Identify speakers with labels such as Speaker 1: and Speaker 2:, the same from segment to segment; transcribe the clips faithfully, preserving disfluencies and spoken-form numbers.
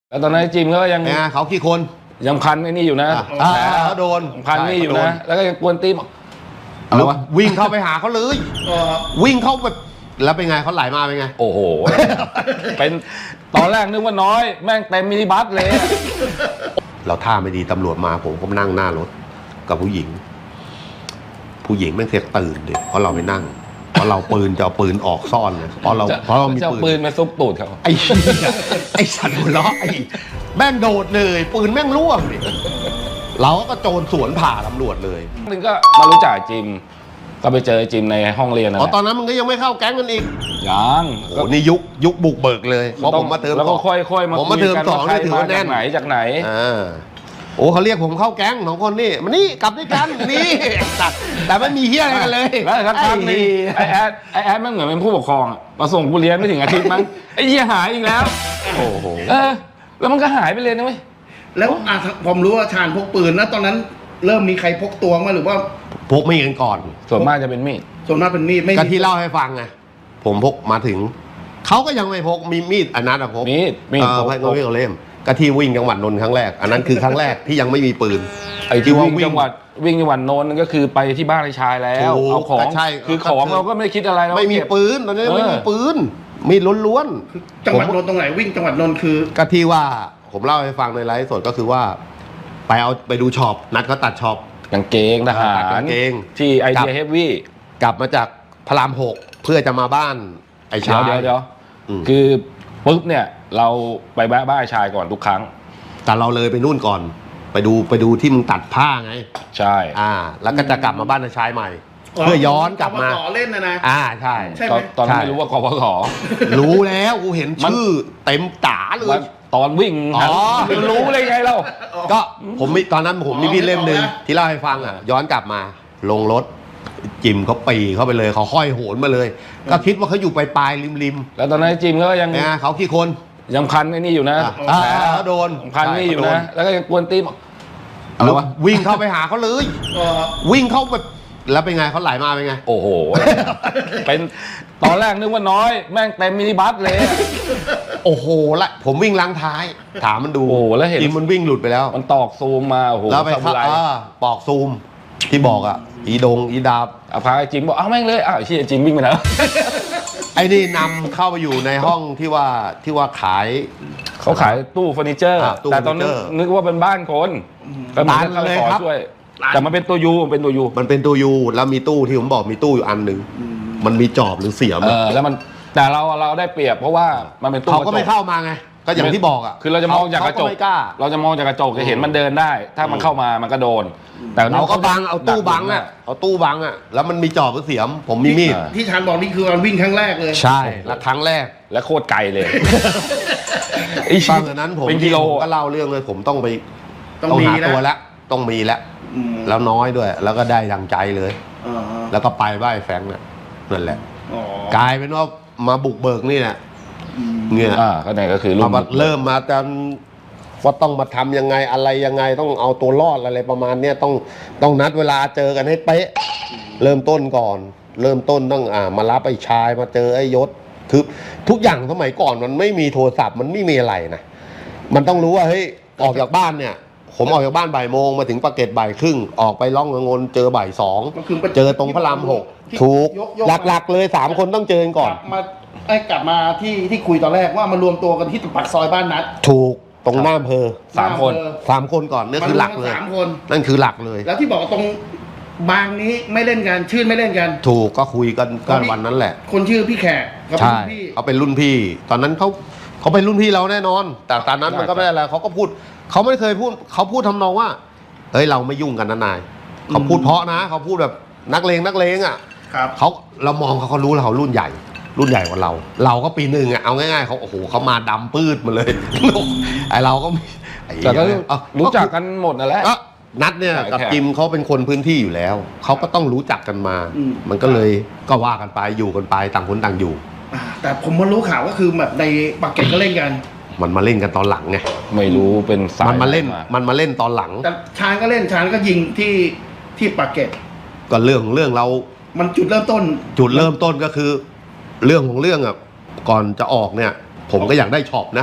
Speaker 1: แล้วตอนนั้นจิมเขายัง
Speaker 2: เขากี่คน
Speaker 1: ยังพันไอ้นี่อยู่นะ
Speaker 2: เขาโดน
Speaker 1: พันนี่อยู่นะแล้วก็ยังกวนตีม
Speaker 2: อะไรวะวิ่งเข้าไปหาเขาเลยวิ่งเข้าแบบแล้วเป็นไงเขาไหลมาเป็นไง
Speaker 1: โอ้โหเป็นตอนแรกนึกว่าน้อยแม่งเต็มมินิบัสเลย
Speaker 2: เราท่าไม่ดีตำรวจมาผมก็นั่งหน้ารถกับผู้หญิงผู้หญิงแม่งเสียตื่นเด็กเพราะเราไปนั่งเพราะเราปืนจะเอาปืนออกซ่อนเลยเพราะเราเพราะเรามี
Speaker 1: ปืนมาซุกตูดเขา
Speaker 2: ไอ้ไอ้สัตว์หัวเราะไอ้แม่งโดดเลยปืนแม่งร่วงดิเราก็โจรสวนผ่าตำรวจเลย
Speaker 1: นึงก็มารู้จักจิมก็ไปเจอจิมในห้องเรียนนะ
Speaker 2: อ๋อตอนนั้นมันก็ยังไม่เข้าแก๊งกันอีก
Speaker 1: ยัง
Speaker 2: โอ้นี่ยุคยุคบุกเบิกเลยเพราะผมมาเติม
Speaker 1: แล้วก็ค่อยๆมา
Speaker 2: ผมมาเติมสองนี่ถือว่าแน่น
Speaker 1: ไหนจากไหน
Speaker 2: อ่าโอ้เขาเรียกผมเข้าแก๊งสองคนนี่มานี่กลับด้วยกันนี่แต่ไม่มีเฮี้ยอะไรกันเลย
Speaker 1: แล้วท่านนี่ไอแอดไอแอดมันเหมือนเป็นผู้ปกครองมาส่งกูเรียนไม่ถึงอาทิตย์มั้งไอเหี้ยหายอีกแล้ว
Speaker 2: โอ้โห
Speaker 1: เออแล้วมันก็หายไปเลยนะเว้ย
Speaker 3: แล้วผมรู้ว่าชาญพกปืนแล้วตอนนั้นเริ่มมีใครพกตัวมาหรือว่า
Speaker 2: พกไม่กันก่อน
Speaker 1: ส่วนมากจะเป็นมีด
Speaker 3: ส่วนมากเป็นมีดไม่
Speaker 2: ก็ที่เล่าให้ฟังไงผมพกมาถึงเขาก็ยังไม่พกมีมีดอันนั้นอะพก
Speaker 1: มีดมีด
Speaker 2: พกพกเล่มก็ที่วิ่งจังหวัดนนท์ครั้งแรกอันนั้นคือครั้งแรกที่ยังไม่มีปืน
Speaker 1: ไอ้ที่ว่าวิ่งจังหวัดวิ่งจังหวัดนนท์ก็คือไปที่บ้านไอ้ชายแล้วเอาของ
Speaker 2: ใช่
Speaker 1: คือของเราก็ไม่คิดอะไร
Speaker 2: ไม่มีปืนตอนนี้ไม่มีปืนมีล้วน
Speaker 3: ๆจังหวัดนนท์ตรงไหนวิ่งจังหวัดนนท์คือ
Speaker 2: ก็ที่ว่าผมเล่าให้ฟังในไลฟ์สดก็คือว่าไปเอาไปดูช็อปนัดเขาตัดช็อป
Speaker 1: กางเกงทหาร
Speaker 2: กางเกง
Speaker 1: ที่ไอเดียเฮฟวี่
Speaker 2: กลับมาจากพระรามหกเพื่อจะมาบ้านไอ้ชาย
Speaker 1: เดี๋ยวเดี๋ยวคือปุ๊บเนี่ยเราไปแวะบ้านไอ้ชายก่อนทุกครั้ง
Speaker 2: แต่เราเลยไปนู่นก่อนไปดูไปดูที่มึงตัดผ้าไง
Speaker 1: ใช่
Speaker 2: อ่าแล้วก็จะกลับมาบ้านไอ้ชายใหม่เพื่อย้อนกลับมา
Speaker 3: เล่นนะนะ
Speaker 2: อ่าใช่
Speaker 1: ตอนนั้นไม่รู้ว่ากพข
Speaker 2: รู้แล้วกูเห็นชื่อเต็มตาเลย
Speaker 1: ตอนวิ่งอ๋อรู้เลยไงเรา
Speaker 2: ก็ผมมีตอนนั้นผมมีพี่เล่มหนึ่งที่เล่าให้ฟังอ่ะย้อนกลับมาลงรถจิมเขาปีเข้าไปเลยเขาห้อยโหนมาเลยก็คิดว่าเขาอยู่ปลายปลายริมริม
Speaker 1: แล้วตอนนั้นจิมเขายัง
Speaker 2: เขากี่คน
Speaker 1: ยังพันไอ้นี่อยู่นะ
Speaker 2: เขาโดน
Speaker 1: พันนี่อยู่นะแล้วก็ยังกวนตีม
Speaker 2: อะไรวะวิ่งเข้าไปหาเขาเลยวิ่งเข้าแบบแล้วเป็นไงเขาไหลมาเป็นไง
Speaker 1: โอ้โหเป็นตอนแรกนึกว่าน้อยแม่งเต็มมินิบัสเลย
Speaker 2: โอ้โหละผมวิ่งล้างท้ายถามมันดู
Speaker 1: โอ้แล้วเห็น
Speaker 2: มันวิ่งหลุดไปแล้ว
Speaker 1: มันตอกซูมมาโอ้โห
Speaker 2: แล้วไปเข้าปอกซูมที่บอกอ่ะอีดงอีดาบ
Speaker 1: อาพาจิมบอกอ้าวแม่งเลยอ้าวที่จิมวิ่งไปแล้ว
Speaker 2: ไอ้นี่นำเข้าไปอยู่ในห้องที่ว่าที่ว่าขาย
Speaker 1: เขาขายตู้เฟอร์นิเจอร์แต่ตอนนั้นนึกว่าเป็นบ้านคน
Speaker 2: ก็มันเลยครับ
Speaker 1: แต่มันเป็นตัวยูมันเป็นตัวยู
Speaker 2: มันเป็นตัวยูแล้วมีตู้ที่ผมบอกมีตู้อยู่อันหนึ่งมันมีจอบหรือเสียม
Speaker 1: เออแล้วมันแต่เราเราได้เปรียบเพราะว่ามันเป็นตู้
Speaker 2: เขาก็ไม่เข้ามาไงก็อย่างที่บอกอ่ะ
Speaker 1: คือเราจะมองจากกระจกเราจะมองจากกระจกจะเห็นมันเดินได้ถ้ามันเข้ามามันก็โดน
Speaker 2: แต่เราก็บังเอาตู้บังอ่ะเอาตู้บังอ่ะแล้วมันมีจอบหรือเสียมผมมีมีด
Speaker 3: ที่ชานบอกนี่คือการวิ่งครั้งแรกเลย
Speaker 2: ใช่และครั้งแรก
Speaker 1: และโคตรไกลเลย
Speaker 2: ไอ้ตอนนั้นผมเป็นกิโลก็เล่าเรื่องเลยผมต้องไปต้องหาตัวแล้วต้องมีแล้วแล้วน้อยด้วยแล้วก็ได้ดังใจเลยแล้วก็ไปบ้านแฟงเนี่ยนั่นแหละกลายเป็นว่ามาบุกเบิกนี่เนี่ยเงี้ย
Speaker 1: อ่าก็ไหนก็คือ
Speaker 2: เริ่มมาจนว่าต้องมาทำยังไงอะไรยังไงต้องเอาตัวรอดอะไรประมาณเนี้ยต้องต้องนัดเวลาเจอกันให้เป๊ะเริ่มต้นก่อนเริ่มต้นต้องอ่ามารับไอ้ชายมาเจอไอ้ยศคือทุกอย่างสมัยก่อนมันไม่มีโทรศัพท์มันไม่มีอะไรนะมันต้องรู้ว่าเฮ้ยออกจากบ้านเนี่ยผมออกจากบ้านบ่ายโมงมาถึงปากเกร็ดบ่ายครึ่งออกไปล่องเงินเจอบ่ายสองเจอตรงพระรามหกถูกหลักๆเลยสามคนต้องเจอก่อน
Speaker 3: มาไอ้กลับมาที่ที่คุยตอนแรกว่ามารวมตัวกันที่ปากซอยบ้านนัด
Speaker 2: ถูกตรงหน้าอำเภอ
Speaker 1: สามคน
Speaker 2: สามคนก่อนนี่คือหลักเลย
Speaker 3: สามคน
Speaker 2: นั่นคือหลักเลย
Speaker 3: แล้วที่บอกตรงบางนี้ไม่เล่นกันชื่นไม่เล่นกัน
Speaker 2: ถูกก็คุยกันกันวันนั้นแหละ
Speaker 3: คนชื่อพี่แขก
Speaker 2: ใช่เขาเป็นรุ่นพี่ตอนนั้นเขาเขาเป็นรุ่นพี่เราแน่นอนแต่ตอนนั้นมันก็ไม่ได้อะไรเขาก็พูดเขาไม่เคยพูดเขาพูดทำนองว่าเฮ้ยเราไม่ยุ่งกันนะนายเขาพูดเพราะนะเขาพูดแบบนักเลงนักเลงอ่ะเขาเรามองเขาเขารู้แล้วเขารุ่นใหญ่รุ่นใหญ่กว่าเราเราก็ปีหนึ่งอ่ะเอาง่ายๆเขาโอ้โหเขามาดำปื้ดมาเลยไอเราก็
Speaker 1: แต่ก็รู้จักกันหมดนั่นแหละ
Speaker 2: นัดเนี่ยกับจิมเขาเป็นคนพื้นที่อยู่แล้วเขาก็ต้องรู้จักกันมามันก็เลยก็ว่ากันไปอยู่กันไปต่างคนต่างอยู่
Speaker 3: แต่ผมมารู้ข่าวก็คือแบบในปากเกร็ดก็เล่นกัน
Speaker 2: มันมาเล่นกันตอนหลังไง
Speaker 1: ไม่รู้เป็นสาย
Speaker 2: มันมาเล่นมันมาเล่นตอนหลัง
Speaker 3: แต่ชานก็เล่นชานก็ยิงที่ที่ปากเกร็ด
Speaker 2: ก็เรื่องเรื่องเรา
Speaker 3: มันจุดเริ่มต้น
Speaker 2: จุดเริ่มต้นก็คือเรื่องของเรื่องอ่ะก่อนจะออกเนี่ยผมก็อยากได้ช็อปนะ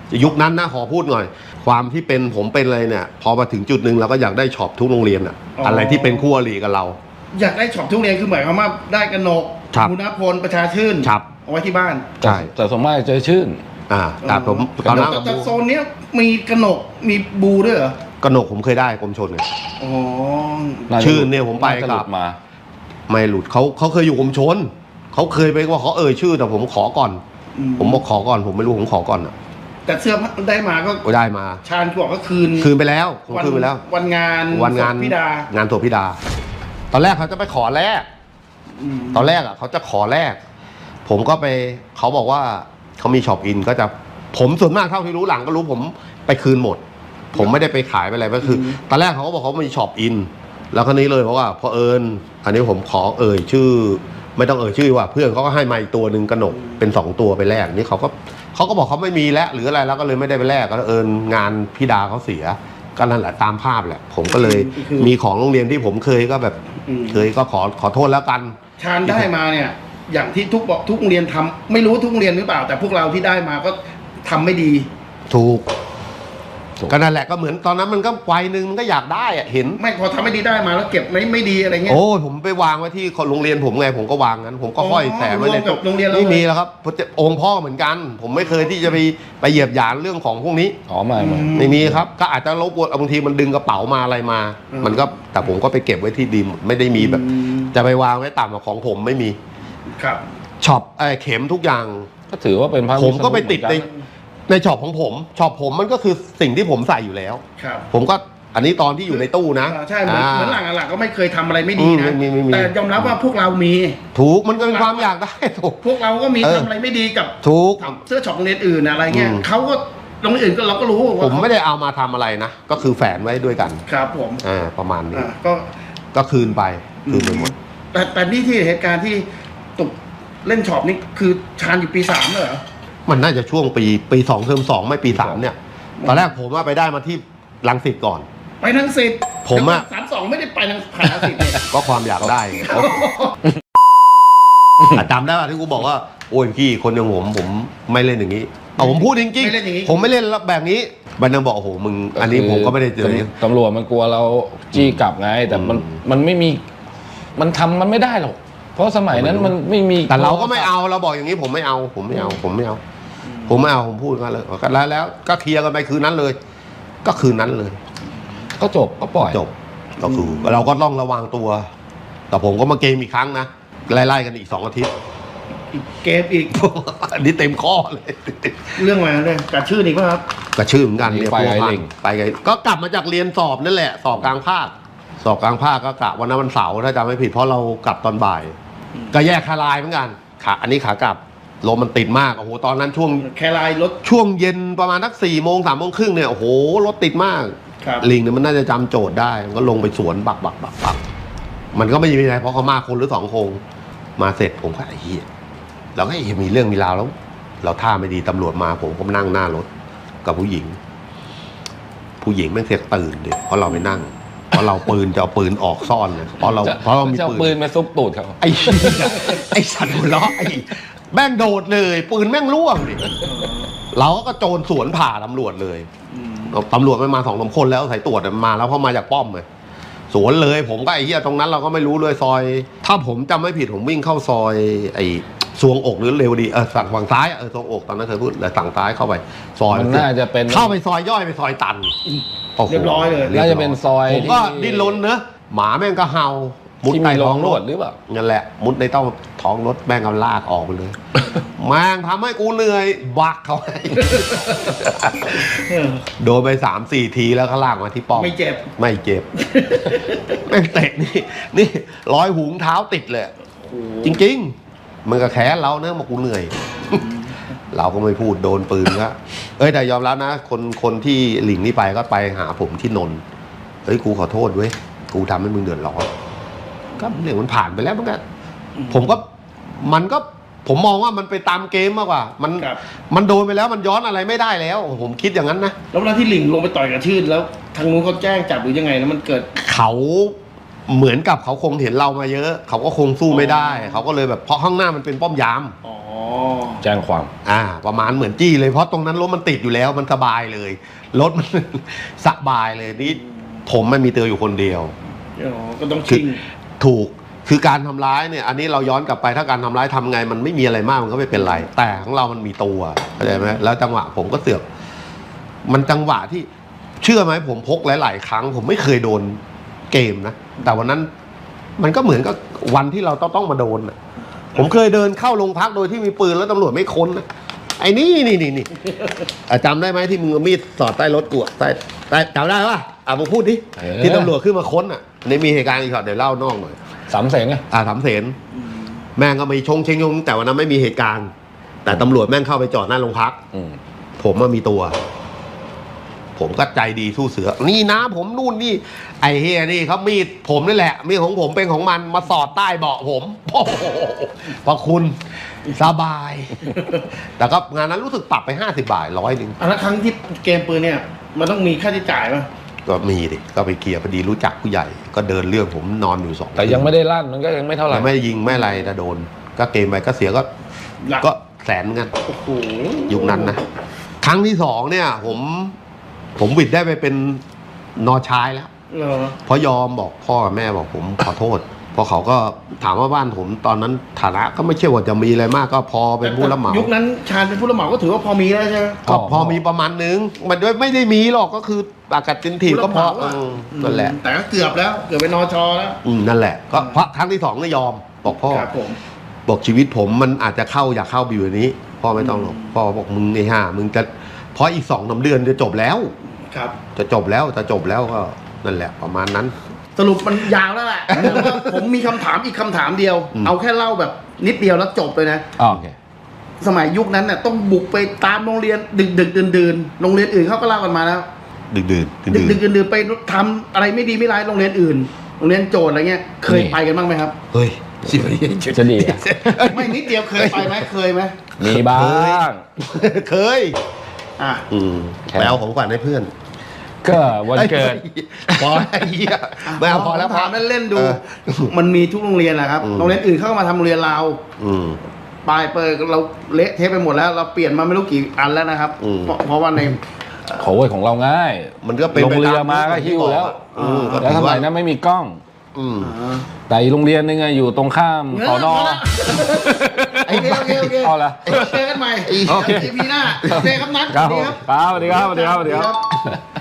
Speaker 2: ยุคนั้นนะขอพูดหน่อย ความที่เป็นผมเป็นเลยเนี่ย พอมาถึงจุดหนึ่งเราก็อยากได้ช็อปทุกโรงเรียนอะ
Speaker 3: อ๋ออ
Speaker 2: อะไรที่เป็นคู่อริกับเรา
Speaker 3: อยากได้ช็อปทุกเรียนคือหมายความว่าได้กนก
Speaker 2: ครับ
Speaker 3: มุนพลประชาชื่น
Speaker 2: ครับ
Speaker 3: เอาไว้ที่บ้าน
Speaker 2: ใช่
Speaker 1: แต่สมมติเจอชื่น
Speaker 2: อ่าแต่ผมตอนนั้น
Speaker 3: แต่แต่โซนเนี้ยมีกนกมีบูด้วยเหรอก
Speaker 2: นกผมเคยได้กรมชนเนี่ย
Speaker 3: อ๋อ
Speaker 1: าจะ
Speaker 2: ชื่นเนี่ยผมไป
Speaker 1: าจะหลุ
Speaker 2: กั
Speaker 1: ด
Speaker 2: บ
Speaker 1: มา
Speaker 2: ไม่หลุดเขาเขาเคยอยู่กรมชนเขาเคยไปว่าเขาเอ่ยชื่อแต่ผมขอก่อน
Speaker 3: อื
Speaker 2: ผมบอกขอก่อนผมไม่รู้ผมขอก่อนอ่ะ
Speaker 3: แต่เสื้อได้มาก็
Speaker 2: ก็ได้มา
Speaker 3: ชาญบอกก็คืน
Speaker 2: คืนไปแล้วผมคืนไปแล้ว
Speaker 3: วันงาน
Speaker 2: วันงาน
Speaker 3: ศพพี่ดาง
Speaker 2: านศพพิดา ตอนแรกเขาจะไปขอแลก
Speaker 3: ม
Speaker 2: ตอนแรกอ่ะเขาจะขอแลกผมก็ไปเขาบอกว่าเขามีช็อปอินก็จะผมส่วนมากเท่าที่รู้หลังก็รู้ผมไปคืนหมด ผมไม่ได้ไปขายไปอะไรก็คือ ตอนแรกเขาก็บอกเขามีช็อปอิน แล้วคราวนี้เลยเพราะว่าพอเอิญอันนี้ผมขอเอ่ยชื่อ ไม่ต้องเอ่ยชื่อว่าเพื่อนเขาก็ให้มาอีกตัวหนึ่งกระหนกเป็นสองตัวไปแลกนี่เขาก็เขาก็บอกเขาไม่มีแล้วหรืออะไรแล้วก็เลยไม่ได้ไปแลกก็เอิญงานพี่ดาเขาเสียก็นั่นแหละตามภาพแหละ ผมก็เลยมีของโรงเรียนที่ผมเคยก็แบบ
Speaker 3: อืม
Speaker 2: เคยก็ขอขอโทษแล้วกัน
Speaker 3: ชาญได้มาเนี่ย อย่างที่ทุกบอกทุกโรงเรียนทำไม่รู้ทุกโรงเรียนหรือเปล่า แต่พวกเราที่ได้มาก็ทำไม่ดี
Speaker 2: ถูก
Speaker 1: ถูก
Speaker 2: ก็นั่นแหละก็เหมือนตอนนั้นมันก็วัยหนึ่งมันก็อยากได้อะเห็น
Speaker 3: ไม่พอทำไม่ดีได้มาแล้วเก็บไม่ไม่ดีอะไรเงี้ย
Speaker 2: โอ้ยผมไปวางไว้ที่โรงเรียนผมไงผมก็วางงั้นผมก็ห้อย
Speaker 3: อ๋อ
Speaker 2: แสไว้ใน
Speaker 3: รวมกับโรงเรียนเรา
Speaker 2: ไม่มี
Speaker 3: เลย
Speaker 2: แล้วครับเพราะจะองค์พ่อเหมือนกัน ผมไม่เคยที่จะไปไปเหยียบหยามเรื่องของพวกนี้
Speaker 1: อ๋อไม่ไม่
Speaker 3: อืม
Speaker 2: ไม่มีครับ ก็อาจจะรบกวนบางทีมันดึงกระเป๋ามาอะไรมา
Speaker 3: อืม
Speaker 2: มันก็แต่ผมก็ไปเก็บไว้ที่ดีมไม่ได้มีแบบ
Speaker 3: อืม
Speaker 2: จะไปวางไว้ต่ำกว่าของผมไม่มี
Speaker 3: ครับ
Speaker 2: ช็อปเอ่อเข็มทุกอย่าง
Speaker 1: ก็ถือว่าเป็นพระ
Speaker 2: ผมก็ไปติดใน
Speaker 1: วิษณุเหมือนกัน
Speaker 2: ในช็อปของผมช็อปผมมันก็คือสิ่งที่ผมใส่อยู่แล้ว
Speaker 3: ครับ
Speaker 2: ผมก็อันนี้ตอนที่อยู่ในตู้นะ
Speaker 3: อ่าใช่เหมือน
Speaker 2: อ่า
Speaker 3: เหมือนหลังหลังก็ไม่เคยทำอะไรไม่ดีนะ
Speaker 2: อืมไม่มีไม่มี
Speaker 3: แต่ยอมรับว่าพวกเรามี
Speaker 2: ถูกมันก็เป็นความอยากได้ถูก
Speaker 3: พวกเราก็มี
Speaker 2: เออ
Speaker 3: ทำอะไรไม่ดีกับ
Speaker 2: ถูก
Speaker 3: เสื้อช็อปโรงเรียนอื่นอะไรเงี้ย
Speaker 2: อืม
Speaker 3: เขาก็โรงเรียนอื่นก็เราก็รู้ว่า
Speaker 2: ผมไม่ได้เอามาทำอะไรนะ ก็คือแฝนไว้ด้วยกัน
Speaker 3: ครับผม
Speaker 2: อ่าประมาณนี้
Speaker 3: อ่าก็
Speaker 2: ก็คืนไปคืนไปหมด
Speaker 3: แต่แต่นี่ที่เหตุการณ์ที่ตกเล่นช็อปนี่คือชาญอยู่ปีสามเลยเหรอ
Speaker 2: มันน่าจะช่วงปีปีสองเทอมสองไม่ปีสามเนี่ย ตอนแรกผมว่าไปได้มาที่รังสิตก่อน
Speaker 3: ไปทั้งสิบ
Speaker 2: ผมอะ
Speaker 3: สามสองไม่ได้ไปทั้งผ่านทั้งสิบเนี่ย
Speaker 2: ก็ความอยากได้ไงอ่ะจำได้ป่ะที่กูบอกว่าโอ้ยพี่คนอย่างผมผมไม่เล่นอย่างนี้เอาผมพูดจริง
Speaker 3: ไม่เล่นอย่างนี้
Speaker 2: ๆผมไม่เล่นแบบนี้บันยังบอกโอ้โหมึงอันนี้ผมก็ไม่ได้เจอ
Speaker 1: ตำรวจมันกลัวเราจี้กลับไง แต่มัน
Speaker 2: อืม
Speaker 1: มันไม่มีมันทำมันไม่ได้หรอกเพราะสมัยนั้นมันไม่มี
Speaker 2: แต่เราก็ไม่เอาเราบอกอย่างนี้ผมไม่เอา ผมไม่เอา ผมไม่เอา ผมไม่เอาผมพูดกันเลยก็แล้วแล้วก็เคลียร์กันไปคืนนั้นเลย ก็คืนนั้นเลย
Speaker 1: ก็จบก็ปล่อย
Speaker 2: จบก็คือเราก็ต้องระวังตัว แต่ผมก็มาเกมอีกครั้งนะไล่ๆกันอีกสองอาทิตย์
Speaker 3: อีกเกมอีก
Speaker 2: อันนี้เต็มข้อเลย
Speaker 3: เรื่องอะไรนะเนี่ยการชื่ออีกป่ะครับ
Speaker 2: กระชื่อเหมือนกันเนี่ย
Speaker 1: ไป
Speaker 2: พัว
Speaker 1: ไอ้
Speaker 2: พัน
Speaker 1: เล่ง
Speaker 2: ไปไงก็กลับมาจากเรียนสอบนั่นแหละ สอบกลางภาค สอบกลางภาคก็กะวันนั้นวันเสาร์ถ้าจำไม่ผิดเพราะเรากลับตอนบ่าย ก็แยกคาลายเหมือนกันขาอันนี้ขากลับลมมันติดมากโอ้โหตอนนั้นช่วง
Speaker 3: แคลายรถ
Speaker 2: ช่วงเย็นประมาณสักสี่โมงสามโมงครึ่งเนี่ยโอ้โหรถติดมาก
Speaker 3: ครับ
Speaker 2: ลิงเนี่ยมันน่าจะจำโจทย์ได้มันก็ลงไปสวนบักบักบักบักมันก็ไม่มีอะไรเพราะเขามาคนหรือสองคนมาเสร็จผมก็ไอ้เหี้ยเราก็ไอ้เหี้ยมีเรื่องมีราวแล้ว เราท่าไม่ดีตำรวจมาผมก็นั่งหน้ารถกับผู้หญิง ผู้หญิงแม่งเสียตื่นเด็เพราะเราไปนั่งเพราะเราปืนจะเอาปืนออกซ่อนเลยเพราะเรา
Speaker 1: จะ
Speaker 2: เพราะเรามี
Speaker 1: จะเอา
Speaker 2: ปื
Speaker 1: ปื
Speaker 2: น
Speaker 1: นมาซุบตูดเขา
Speaker 2: ไอ้เหี้ยไอ้สัตว์หัวเราะไอ้แม่งโดดเลยปืนแม่งร่วงดิเราก็โจรสวนผ่าตำรวจเลย
Speaker 3: อืม
Speaker 2: ตำรวจมันมาสองสามคนแล้วสายตรวจมันมาแล้วเพราะมาจากป้อมเลยสวนเลยผมก็ไอ้เหี้ยตรงนั้นเราก็ไม่รู้เลยซอย ถ้าผมจำไม่ผิดผมวิ่งเข้าซอยไอ้ซวงอกหรือเร็วดีเออฝั่งฝั่งซ้ายอะเออซวงอกตอนนั้นเคยพูดเลยฝั่งซ้ายเข้าไป ซอย
Speaker 1: มันน่าจะเป็น
Speaker 2: เข้าไปซอยย่อยไปซอยตันโโห
Speaker 3: เรียบร้อยเลย
Speaker 1: น่าจะเป็นซอย
Speaker 2: ผมก็
Speaker 1: ที่
Speaker 2: ดิ้นรนเนอะหมาแม่งก็เห่ามุด
Speaker 1: ที่
Speaker 2: ใต้
Speaker 1: มีร
Speaker 2: ท้
Speaker 1: อ
Speaker 2: อง ง
Speaker 1: ร
Speaker 2: ร
Speaker 1: ว
Speaker 2: ถ
Speaker 1: ดหรือเปล่า
Speaker 2: นั่นแหละ มุดในเต้าท้องรถแม่งเอาลากออกไปเลย แม่งทำให้กูเหนื่อยบักเขาให้
Speaker 3: เออ
Speaker 2: โดนไปสามสี่ทีแล้วก็ลากมาที่ป้อม
Speaker 3: ไม่เจ็บ
Speaker 2: ไม่เจ็บ แม่งเตะนี่นี่ร้อยหุงเท้าติดเลย จริงๆ มันก็แค้นเราเนอะมากูเหนื่อย เราก็ไม่พูดโดนปืนก็เอ้ยแต่ยอมรับนะ คนคนที่หลิงนี่ไปก็ไปหาผมที่นนท์เฮ้ยกูขอโทษเว้ยกูทำให้มึงเดือดร้อนก็เรื่องมันผ่านไปแล้วมันก็ผมก็มันก็ผมมองว่ามันไปตามเกมมากกว่า มัน
Speaker 3: ครับ
Speaker 2: มันโดนไปแล้วมันย้อนอะไรไม่ได้แล้ว ผมคิดอย่างนั้นนะ
Speaker 3: แล้วเวลาที่หลิงลงไปต่อยกับชื่นแล้วทางนู้นเขาแจ้งจับหรือยังไงแล้วมันเกิด
Speaker 2: เขาเหมือนกับเขาคงเห็นเรามาเยอะ เขาก็คงสู้ไม่ได้ เขาก็เลยแบบเพราะข้างหน้ามันเป็นป้อมยาม
Speaker 3: อ๋อ
Speaker 1: แจ้งความ
Speaker 2: อ่า ประมาณเหมือนจี้เลยเพราะตรงนั้นรถมันติดอยู่แล้วมันสบายเลยรถมัน สบายเลยนี่ผมไม่มีเตืออยู่คนเดียว
Speaker 3: อ๋อก็ต้องชิง
Speaker 2: ถูกคือการทำร้ายเนี่ย อันนี้เราย้อนกลับไปถ้าการทำร้ายทำไงมันไม่มีอะไรมากมันก็ไม่เป็นไร แต่ของเรามันมีตัวเข้าใจไหมแล้วจังหวะผมก็เสือกมันจังหวะที่เชื่อไหมผมพกหลาย ๆ ครั้ง ผมไม่เคยโดนเกมนะแต่วันนั้นมันก็เหมือนกับวันที่เราต้องต้องมาโดนนะผมเคยเดินเข้าโรงพักโดยที่มีปืนแล้วตำรวจไม่ค้นนะไอ้นี่นี่นี่นี่อ่ะจำได้ไหมที่มึงเอามีดสอดใต้รถกูอะใต้ใต้จำได้ปะอ่ะมึงพูดดิ
Speaker 1: เออ
Speaker 2: ที่ตำรวจขึ้นมาค้นอ่ะอันนี้มีเหตุการณ์อีกช็อตเดี๋ยวเล่านอกหน่อย
Speaker 1: สามเสงไง
Speaker 2: อ่าสามเสนแม่งก็มีชงเชงยงแต่วันนั้นไม่มีเหตุการณ์ แต่ตำรวจแม่งเข้าไปจอดหน้าโรงพัก
Speaker 1: อืม
Speaker 2: ผมมามีตัว ผมก็ใจดีสู้เสือ นี่นะผมนู่นนี่ ไอ้เฮียนี่เขามีดผมนี่แหละ มีดของผมเป็นของมันมาสอดใต้เบาะผมโอ้โหพระคุณสบาย แต่ก็งานนั้นรู้สึกปรับไปห้าสิบบาทร้อยหนึ่ง
Speaker 3: อันนั้นครั้งที่เกมปืนเนี่ย มันต้องมีค่าใช้จ่ายป่ะ
Speaker 2: ก็มีดิก็ไปเคลียร์พอดีรู้จักผู้ใหญ่ ก็เดินเรื่องผมนอนอยู่สอง
Speaker 1: แต่ยังไม่ได้ลั่นมันก็ยังไม่เท่าไหร่
Speaker 2: ยังไม่ยิงไม่อะไรแต่โดน ก็เกมไปก็เสียก็
Speaker 3: หลัก
Speaker 2: ก็แสนเหมือนกัน
Speaker 3: โอ้โห
Speaker 2: ยุคนั้นนะครั้งที่สองเนี่ย ผมผมวิดได้ไปเป็นนอชายแล้ว
Speaker 3: เหรอ
Speaker 2: เพราะยอมบอกพ่อกับแม่บอกผมขอโทษเพราะเขาก็ถามว่าบ้านผมตอนนั้นฐานะก็ไม่ใช่ว่าจะมีอะไรมากก็พอเป็นผู้รับเหมา
Speaker 3: ยุคนั้นชาญเป็นผู้รับเหมาก็ถือว่าพอมีแล้วใช่ไหม
Speaker 2: ก็พอมีประมาณนึง มันไม่ได้มีหรอกก็คืออากาศจินทีก็พอ
Speaker 3: ผู้รับเหมาอะ
Speaker 2: เออนั่นแหละ
Speaker 3: แต่ก็เกือบแล้ว เกือบเป็นนอชอแล้ว
Speaker 2: อืมนั่นแหละก็เพราะครั้งที่สองก็ยอมบอกพ่อ
Speaker 3: ครับผม
Speaker 2: บอกชีวิตผมมันอาจจะเข้าอยากเข้าไปอยู่ในนี้พ่อไม่ต้องหรอกพ่อบอกมึงไอ้ห่ามึงจะเพราะอีกสองสามเดือนจะจบแล้ว
Speaker 3: ครับ
Speaker 2: จะจบแล้วจะจบแล้วก็นั่นแหละประมาณนั้น
Speaker 3: สรุปมันยาวแล้วแหละ แต่ว่าผมมีคำถามอีกคำถามเดียว
Speaker 2: อืม
Speaker 3: เอาแค่เล่าแบบนิดเดียวแล้วจบเลยนะ
Speaker 1: อ๋อโอเค
Speaker 3: สมัยยุคนั้นเนี่ยต้องบุกไปตามโรงเรียนดึกดึกดื่นดื่นๆโรงเรียนอื่นเขาก็เล่ากันมาแล้ว
Speaker 2: ดึกดื่น
Speaker 3: ดึกดึกดื่นดื่นๆไปทำอะไรไม่ดีไม่ร้ายโรงเรียนอื่น โรงเรียนโจทย์อะไรเงี้ย เคย
Speaker 1: นี่
Speaker 3: ไปกันบ้างไหมครับ
Speaker 2: เฮ้ยสิ
Speaker 1: จะดีอะ
Speaker 3: ไม่นิดเดียวเคยไปไหมเคยไหม
Speaker 1: มีบ้าง
Speaker 2: เคย
Speaker 3: อ่ะ
Speaker 2: อืม
Speaker 1: แค่
Speaker 2: ไปเอาของขวัญให้เพื่อน
Speaker 1: ก็วันเกิด
Speaker 2: พอไอ้เหี้ยไม่เอาพอแล้วพอ
Speaker 3: ถามเล่นๆดู
Speaker 2: เออ
Speaker 3: มันมีทุกโรงเรียนแหละครับ
Speaker 2: อืม
Speaker 3: โรงเรียนอื่นเข้ามาทำโรงเรียนเรา
Speaker 2: อืม
Speaker 3: ปลายเปิดเราเละเทะไปหมดแล้ว เราเปลี่ยนมาไม่รู้กี่อันแล้วนะครับ
Speaker 2: อืม
Speaker 3: เพราะเพราะว่าใน
Speaker 1: โขยของเราง่าย
Speaker 2: มันก็เป็น
Speaker 1: ลง
Speaker 2: ไป
Speaker 1: เรือ
Speaker 2: ต
Speaker 1: มาก็หิ้วแล้ว
Speaker 2: อืมก็
Speaker 1: แล้ว
Speaker 2: ถื
Speaker 1: ส
Speaker 2: อ
Speaker 1: มั
Speaker 2: ว่าย
Speaker 1: นั้นไม่มีกล้อง
Speaker 2: อืม
Speaker 3: อ่า
Speaker 1: แต่อีกโรงเรียนนึงอะอยู่ตรงข้ามสอนอ
Speaker 3: โอเคโอเคโอเค
Speaker 1: เอาละ
Speaker 3: เจอกันใหม่
Speaker 1: โอเค
Speaker 3: อีพีหน้าโอเคครับนัท
Speaker 1: ครับ
Speaker 3: ส
Speaker 1: ผ
Speaker 3: วัส
Speaker 1: ม
Speaker 3: ดีครับ
Speaker 1: ครับสวัสดีครับสวัสดีครับสวัสดีครับ